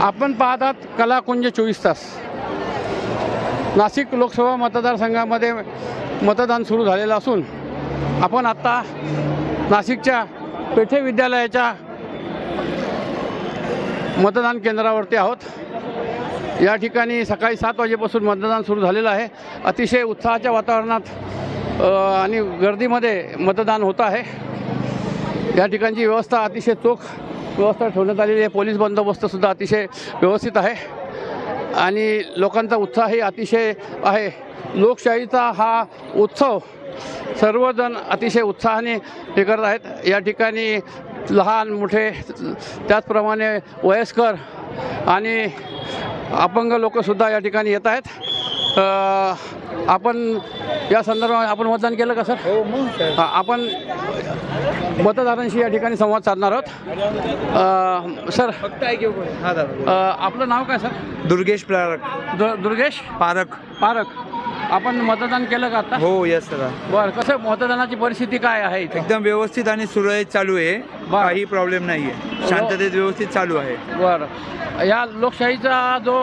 आपण पाहतात कलाकुंज 24 तास। नाशिक लोकसभा मतदारसंघामध्ये मतदान सुरू झालेलं असून आपण आत्ता नाशिकच्या पेठे विद्यालयाच्या मतदान केंद्रावरती आहोत। या ठिकाणी सकाळी 7 वाजेपासून मतदान सुरू झालेलं आहे। अतिशय उत्साहाच्या वातावरणात आणि गर्दीमध्ये मतदान होत आहे। या ठिकाणची व्यवस्था अतिशय चोख व्यवस्था ठेवण्यात आलेली आहे। पोलीस बंदोबस्तसुद्धा अतिशय व्यवस्थित आहे आणि लोकांचा उत्साहही अतिशय आहे। लोकशाहीचा हा उत्सव सर्वजण अतिशय उत्साहाने हे करत आहेत। या ठिकाणी लहान मोठे त्याचप्रमाणे वयस्कर आणि अपंग लोकसुद्धा या ठिकाणी येत आहेत। आपण या संदर्भात आपण मतदान केलं का सर? हो मग सर। आपण मतदारांशी या ठिकाणी संवाद साधणार आहोत। सर फक्त ऐक हा दादा। आपलं नाव काय सर? दुर्गेश पारक। दुर्गेश पारक। पारक। आपण मतदान केलं का आता? हो यस सर। बरं, कसं मतदानाची परिस्थिती काय आहे इथे? एकदम व्यवस्थित आणि सुरळीत चालू आहे। काही प्रॉब्लेम नाही आहे। शांततेत व्यवस्थित चालू आहे। बरं, या लोकशाहीचा जो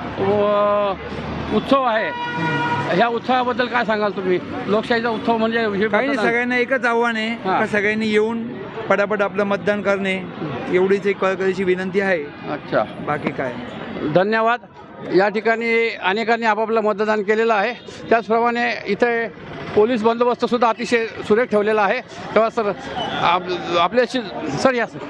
उत्सव आहे ह्या उत्सवाबद्दल काय सांगाल तुम्ही? लोकशाहीचा उत्सव म्हणजे काही नाही, सगळ्यांना एकच आव्हान आहे का सगळ्यांनी येऊन पटापट आपलं मतदान करणे एवढीच एक कळकळीची विनंती आहे। अच्छा, बाकी काय? धन्यवाद। या ठिकाणी अनेकांनी आपापलं मतदान केलेलं आहे। त्याचप्रमाणे इथे पोलीस बंदोबस्तसुद्धा अतिशय सुरेख ठेवलेला आहे। तेव्हा सर आपल्याशी सर या सर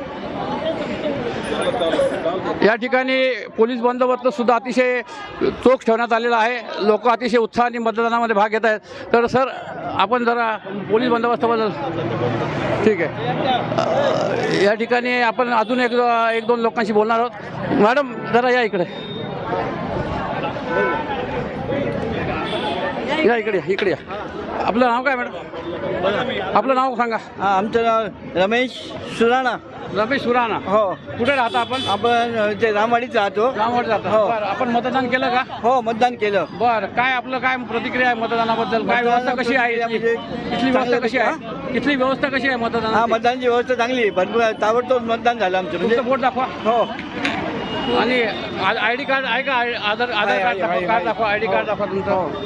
या ठिकाणी पोलीस बंदोबस्तसुद्धा अतिशय चोख ठेवण्यात आलेला आहे। लोक अतिशय उत्साहाने मतदानामध्ये भाग घेत आहेत। तर सर आपण जरा पोलीस बंदोबस्ताबद्दल ठीक आहे। या ठिकाणी आपण अजून एक दोन लोकांशी बोलणार आहोत। मॅडम जरा या इकडे या इकडे या। आपलं नाव काय मॅडम? आपलं नाव सांगा। आमचं नाव रमेश सुराणा। रमेश सुराणा। हो। कुठे राहता आपण? आपण ते रामवाडीत राहतो। रामवाडीत राहता? हो। बरं, आपण मतदान केलं का? हो मतदान केलं। बरं, काय आपलं काय प्रतिक्रिया आहे मतदानाबद्दल? काय व्यवस्था कशी आहे इथली व्यवस्था कशी आहे? इथली व्यवस्था कशी आहे मतदान? हा मतदानची व्यवस्था चांगली आहे। भरपूर ताबडतोब मतदान झालं आमचं म्हणजे। तुमचं बोट दाखवा। हो। आणि आय डी कार्ड आहे का? आधार कार्ड दाखवा। आय डी कार्ड दाखवा तुमचं।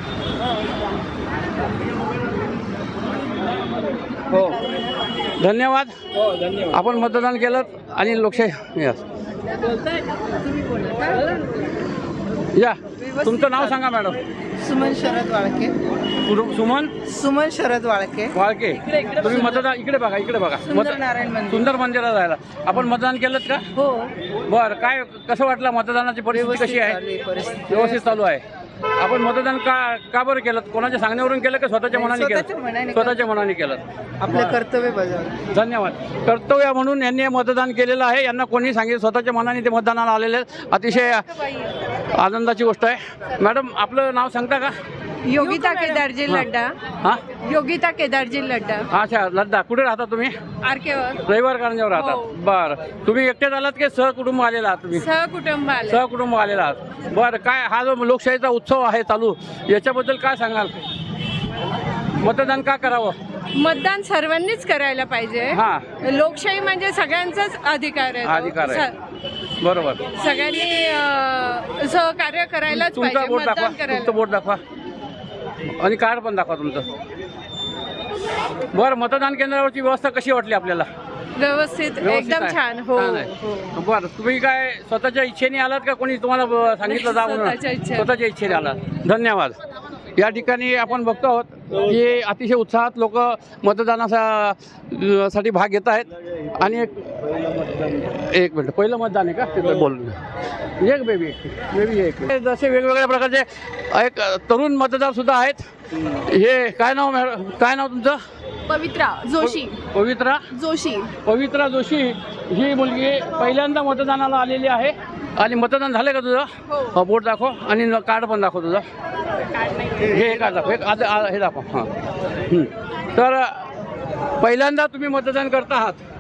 हो धन्यवाद। हो धन्यवाद। आपण मतदान केलं आणि लोकशाही या तुमचं नाव सांगा मॅडम। सुमन शरद वाळके। सुमन शरद वाळके। वाळके। तुम्ही मतदान इकडे बघा सुंदर नारायण मंदिर। सुंदर मंदिरात जायला आपण मतदान केलं का? हो। बरं, काय कसं वाटलं? मतदानाची परिस्थिती कशी आहे? व्यवस्थित चालू आहे। आपण मतदान का बरं केलं? कोणाच्या सांगण्यावरून केलं का स्वतःच्या मनाने केलं? स्वतःच्या मनाने केलं। आपलं कर्तव्य बजावलं। धन्यवाद। कर्तव्य म्हणून यांनी मतदान केलेलं आहे। यांना कोणी सांगितलं? स्वतःच्या मनाने ते मतदानाला आलेले आहेत। अतिशय आनंदाची गोष्ट आहे। मॅडम आपलं नाव सांगता का? योगिता केदारजी लड्डा। हां, योगिता केदारजी लड्डा। अच्छा लड्डा। कुठे राहता तुम्ही? आरकेवर। रविवार कारंजावर राहतात? हो। बरं, तुम्ही एकटेच आलात की सहकुटुंब आलेला आहात तुम्ही? सहकुटुंब आले। सहकुटुंब आलेला आहात। बरं, काय हा जो लोकशाहीचा उत्सव आहे चालू याच्याबद्दल काय सांगाल? मतदान का करावं? मतदान सर्वांनीच करायला पाहिजे। हां, लोकशाही म्हणजे सगळ्यांचाच अधिकार आहे। अधिकार आहे। बरोबर। सगळ्यांनी सहकार्य करायलाच तुमचा पाहिजे। बोट दाखवा। मतदान करायला। तुमचं बोट दाखवा आणि कार्ड पण दाखवा तुमचं। बरं, मतदान केंद्रावरची व्यवस्था कशी वाटली आपल्याला? व्यवस्थित एकदम आहे? छान। हो छान आहे। हो। बरं, तुम्ही काय स्वतःच्या इच्छेने आलात का कोणी तुम्हाला सांगितलं जा म्हणून? स्वतःच्या इच्छेने आलात। धन्यवाद। या ठिकाणी आपण बघतो आहोत की अतिशय उत्साहात लोक मतदानासाठी भाग घेत आहेत। आणि एक मिनिट, पहिलं मतदान आहे का? तिथं बोलून एक बेबी एक जसे वेगवेगळ्या प्रकारचे एक तरुण मतदार सुद्धा आहेत। हे काय नाव मॅडम? काय नाव तुमचं? पवित्रा जोशी। पवित्रा जोशी। पवित्रा जोशी ही मुलगी पहिल्यांदा मतदानाला आलेली आहे। आणि मतदान झालं का तुझं? हो। बोट दाखव आणि कार्ड पण दाखव तुझं। हे कार्ड दाखव। हे दाखव। हां, तर पहिल्यांदा तुम्ही मतदान करत आहात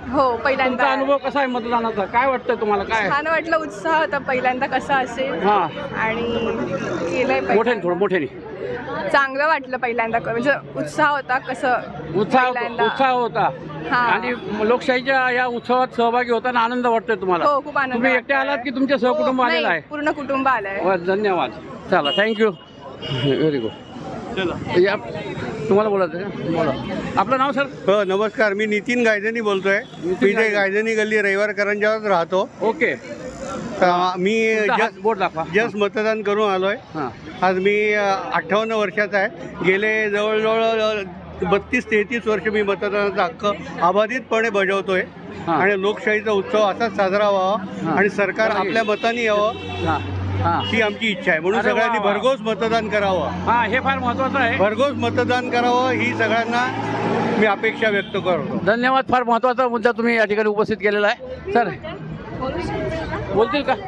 हो तुमचा पहिल्यांदा अनुभव कसा आहे मतदानाचा? काय वाटतं तुम्हाला? काय छान वाटलं, उत्साह होता पहिल्यांदा कसा असेल हा आणि केलंय मोठ्याने थोडं मोठ्याने चांगलं वाटलं पहिल्यांदा म्हणजे उत्साह होता कसं उत्साह होता हा. आणि लोकशाहीच्या या उत्सवात सहभागी होताना आनंद वाटतोय तुम्हाला? हो खूप आनंद तुम्ही एकटे वाटला. आलात की तुमचे सहकुटुंब आलेलं नाही, आहे? पूर्ण कुटुंब आलंय. वा, धन्यवाद. चला थँक्यू. Very good. चला या तुम्हाला बोलायचं का? बोला. आपलं नाव सर? हो नमस्कार, मी नितीन गायधनी बोलतोय. मी ते गायधनी. गायधनी गल्ली रविवारकरांच्यावर राहतो. ओके. मी बोर्ड दाखवा. जस्ट मतदान करून आलोय. हां आज मी 58 वर्षाचा आहे. गेले जवळजवळ 32-33 वर्ष मी मतदानाचा हक्क अबाधितपणे बजावतोय. हां. आणि लोकशाहीचा उत्सव असाच साजरा व्हावा आणि सरकार आपल्या मताने यावं हां हां ही आमची इच्छा आहे. म्हणून अरे वा, सगळ्यांनी वा. भरघोस मतदान करावं. हां हे फार महत्त्वाचं आहे. भरघोस मतदान करावं ही सगळ्यांना मी अपेक्षा व्यक्त करतो. धन्यवाद. फार महत्त्वाचा मुद्दा तुम्ही या ठिकाणी उपस्थित केलेला आहे. सर बोलतील का?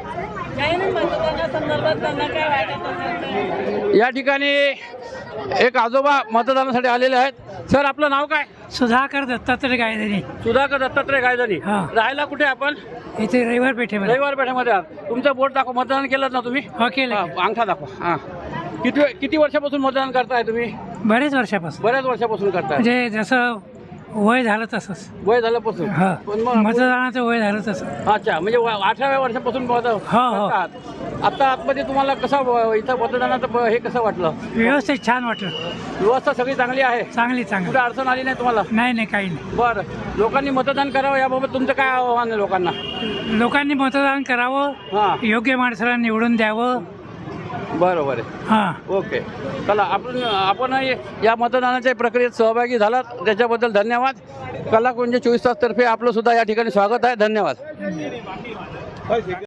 या ठिकाणी एक आजोबा मतदानासाठी आलेले आहेत. सर आपलं नाव काय? सुधाकर दत्तात्रय गायधनी. सुधाकर दत्तात्रय गायधनी. हां. राहायला कुठे आपण? इथे रविवार पेठेमध्ये. रविवार पेठेमध्ये आहात. तुमचं बोट दाखवा. मतदान केलं ना तुम्ही? हो केलं. हां, अंगठा दाखवा. हां किती वर्षापासून मतदान करताय तुम्ही? बरेच वर्षापासून बऱ्याच वर्षापासून करताय. म्हणजे जसं वय झालं तसंच. वय झाल्यापासून? हा पण मग मतदानाचं वय झालं तसं. अच्छा म्हणजे 18व्या वर्षापासून हो. करतात. आता आतमध्ये तुम्हाला कसं इथं मतदानाचं हे कसं वाटलं? व्यवस्थित छान वाटलं. व्यवस्था सगळी चांगली आहे? चांगली चांगली. कुठे अडचण आली नाही तुम्हाला? नाही काही नाही. बरं. लोकांनी मतदान करावं याबाबत तुमचं काय आव्हान आहे लोकांना? लोकांनी मतदान करावं, हां योग्य माणसाला निवडून द्यावं. बरोबर आहे. हां ओके. चला आपण या मतदानाच्या प्रक्रियेत सहभागी झालात त्याच्याबद्दल धन्यवाद. कलाकुंज 24 तास तर्फे आपलं सुद्धा या ठिकाणी स्वागत आहे. धन्यवाद.